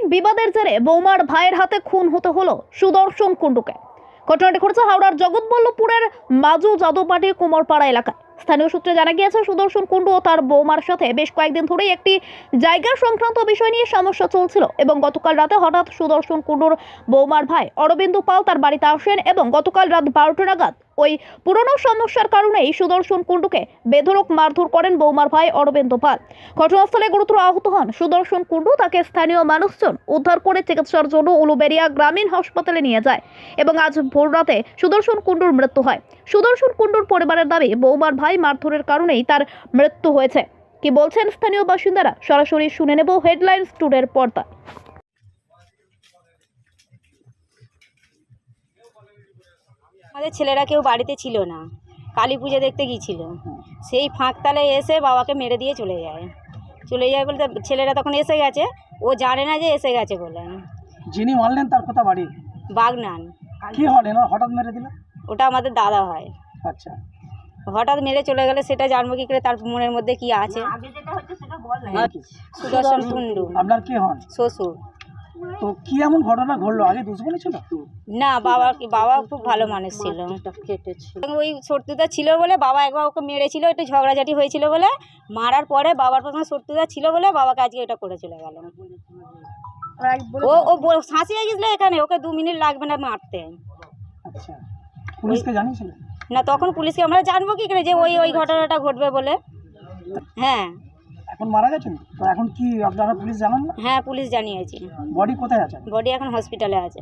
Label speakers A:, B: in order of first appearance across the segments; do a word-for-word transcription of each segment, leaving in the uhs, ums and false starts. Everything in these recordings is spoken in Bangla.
A: বিবাদের জেরে বৌমার ভাইয়ের হাতে খুন হতে হলো সুদর্শন কুণ্ডুকে। ঘটনাটি ঘটেছে হাওড়ার জগৎবল্লভপুরের মাজু যাদবপাটি কুমারপাড়া এলাকায়। স্থানীয় সূত্রে জানা গিয়েছে, সুদর্শন কুণ্ডু ও তার বৌমার সাথে বেশ কয়েকদিন ধরেই একটি জায়গা সংক্রান্ত বিষয় নিয়ে সমস্যা চলছিল এবং গতকাল রাতে হঠাৎ সুদর্শন কুণ্ডুর বৌমার ভাই অরবিন্দ পাল তার বাড়িতে আসেন এবং গতকাল রাত বারোটা নাগাদ ওই পুরনো সমস্যার কারণেই সুদর্শন কুণ্ডুকে বেধড়ক মারধর করেন বৌমার ভাই অরবিন্দ পাল। ঘটনাস্থলে গুরুতর আহত হন সুদর্শন কুণ্ডু। তাকে স্থানীয় মানুষজন উদ্ধার করে চিকিৎসার জন্য উলুবেড়িয়া গ্রামীণ হাসপাতালে নিয়ে যায় এবং আজ ভোর রাতে সুদর্শন কুণ্ডুর মৃত্যু হয়। সুদর্শন কুণ্ডুর পরিবারের দাবি, বৌমার ভাই মারধরের কারণেই তার মৃত্যু হয়েছে। কি বলছেন স্থানীয় বাসিন্দারা, সরাসরি শুনে নেব হেডলাইন্স টুডের পর্দা।
B: আমাদের ছেলেরা কেউ বাড়িতে ছিল না, কালী পুজো দেখতে গিয়েছিল। সেই ফাঁকতালে এসে বাবাকে মেরে দিয়ে চলে যায় চলে যায় বলতে ছেলেরা তখন এসে গেছে, ও জানে না যে এসে গেছে বলে।
C: যিনি মারলেন তার কথা বাড়ি
B: বাগনান।
C: কি হলেন, হঠাৎ মেরে দিল?
B: ওটা আমাদের দাদা হয়।
C: আচ্ছা,
B: হঠাৎ মেরে চলে গেলে সেটা জানবো কি করে, তার মনের মধ্যে কি আছে। সুদর্শন কুণ্ডু
C: আপনার কি হন?
B: শ্বশুর।
C: তো কি এমন ঘটনা ঘটলো? আগে দুশ্মনী ছিল
B: না, বাবা বাবা খুব ভালো মানুষ ছিল। ওই শত্রুতা ছিল বলে বাবা একবার ওকে মেরেছিল, একটু ঝগড়াঝাটি হয়েছিল বলে, মারার পরে বাবার প্রথমে শত্রুতা ছিল বলে বাবাকে আজকে এটা করে চলে গেল। ও ও শাঁসিয়ে গেছিল এখানে, ওকে দু মিনিট লাগবে না মারতে।
C: আচ্ছা, পুলিশকে জানিয়েছিলেন?
B: না, তখন পুলিশকে আমরা জানবো কি করে যে ওই ওই ঘটনাটা ঘটবে বলে। হ্যাঁ,
C: এখন মারা গেছেন তো, এখন কি আপনারা পুলিশ জানান না?
B: হ্যাঁ পুলিশ জানিয়েছি।
C: বডি কোথায় আছে?
B: বডি এখন হসপিটালে আছে।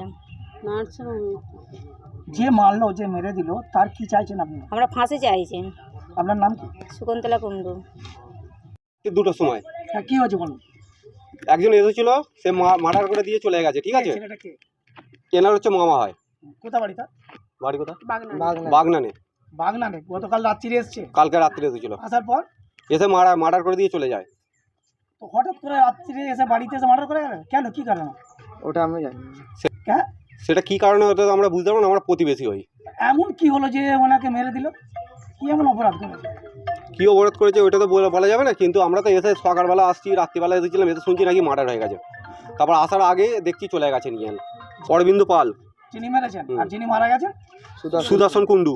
C: যে মারলো, যে মেরে দিল, তার কি চাইছেন আপনি?
B: আমরা ফাঁসি চাইছি।
C: আপনার নাম কি?
B: শকুন্তলা কুণ্ডু।
D: দুটোর সময়
C: হ্যাঁ, কি হয়েছে বলুন?
D: একজন এসেছিল, সে মার্ডার করে দিয়ে চলে গেছে। ঠিক আছে,
C: ছেলেটা কে?
D: কেনার হচ্ছে মামা হয়।
C: কোথা বাড়ি তার?
D: বাড়ি কোথা?
C: বাগনানে।
D: বাগনানে।
C: বাগনানে গতকাল রাত্রিরে এসছে?
D: কালকে রাত্রে এসেছিল,
C: আসার পর
D: এসে মারা মার্ডার করে দিয়ে চলে যায়।
C: তো হঠাৎ করে রাত্রিরে এসে বাড়িতে এসে মার্ডার করে গেলেন কেন? কি কারণে?
D: ওটা আমি জানি
C: হ্যাঁ,
D: সেটা কি কারণে ওটা তো আমরা বুঝতে পারবো না, আমরা প্রতিবেশী হই।
C: এমন কি হলো যে ওনাকে মেরে দিল? কি এমন অপরাধ করেছে?
D: কি অবরোধ করেছে ওইটা তো বলা বলা যাবে না, কিন্তু আমরা তো এসে সকালবেলা আসছি, রাত্রিবেলা এসেছিলাম, এসে শুনছি নাকি মার্ডার হয়ে গেছে। তারপর আসার আগে দেখছি চলে গেছে নিয়ে অরবিন্দ পাল,
C: যিনি মেরেছেন। আর যিনি মারা গেছেন
D: সুদর্শন কুণ্ডু।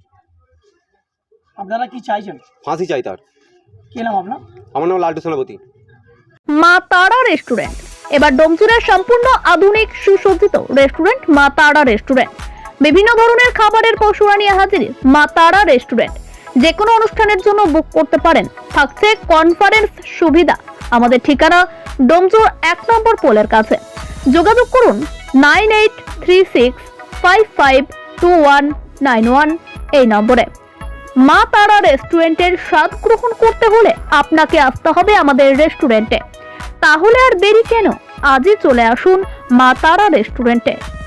C: আপনারা কি চাইছেন?
D: ফাঁসি চাই তার।
C: কি নাম আপনার?
D: আমার নাম লালটু সেনাপতি।
A: মা তারা রেস্টুরেন্ট এবার ডোমচুরের সম্পূর্ণ আধুনিক সুসজ্জিত রেস্টুরেন্ট মা তারা রেস্টুরেন্ট। বিভিন্ন ধরনের খাবারের পসরা নিয়ে হাজির মা তারা রেস্টুরেন্ট। যে কোনো অনুষ্ঠানের জন্য বুক করতে পারেন, থাকছে কনফারেন্স সুবিধা। আমাদের ঠিকানা ডোমচুর এক নম্বর পোলের কাছে। যোগাযোগ করুন nine eight three six five five two one nine one এই নম্বরে। মা তারা রেস্টুরেন্টের স্বাদ গ্রহণ করতে হলে আপনাকে আসতে হবে আমাদের রেস্টুরেন্টে। তাহলে আর দেরি কেন, আজই চলে আসুন মা তারা রেস্টুরেন্টে।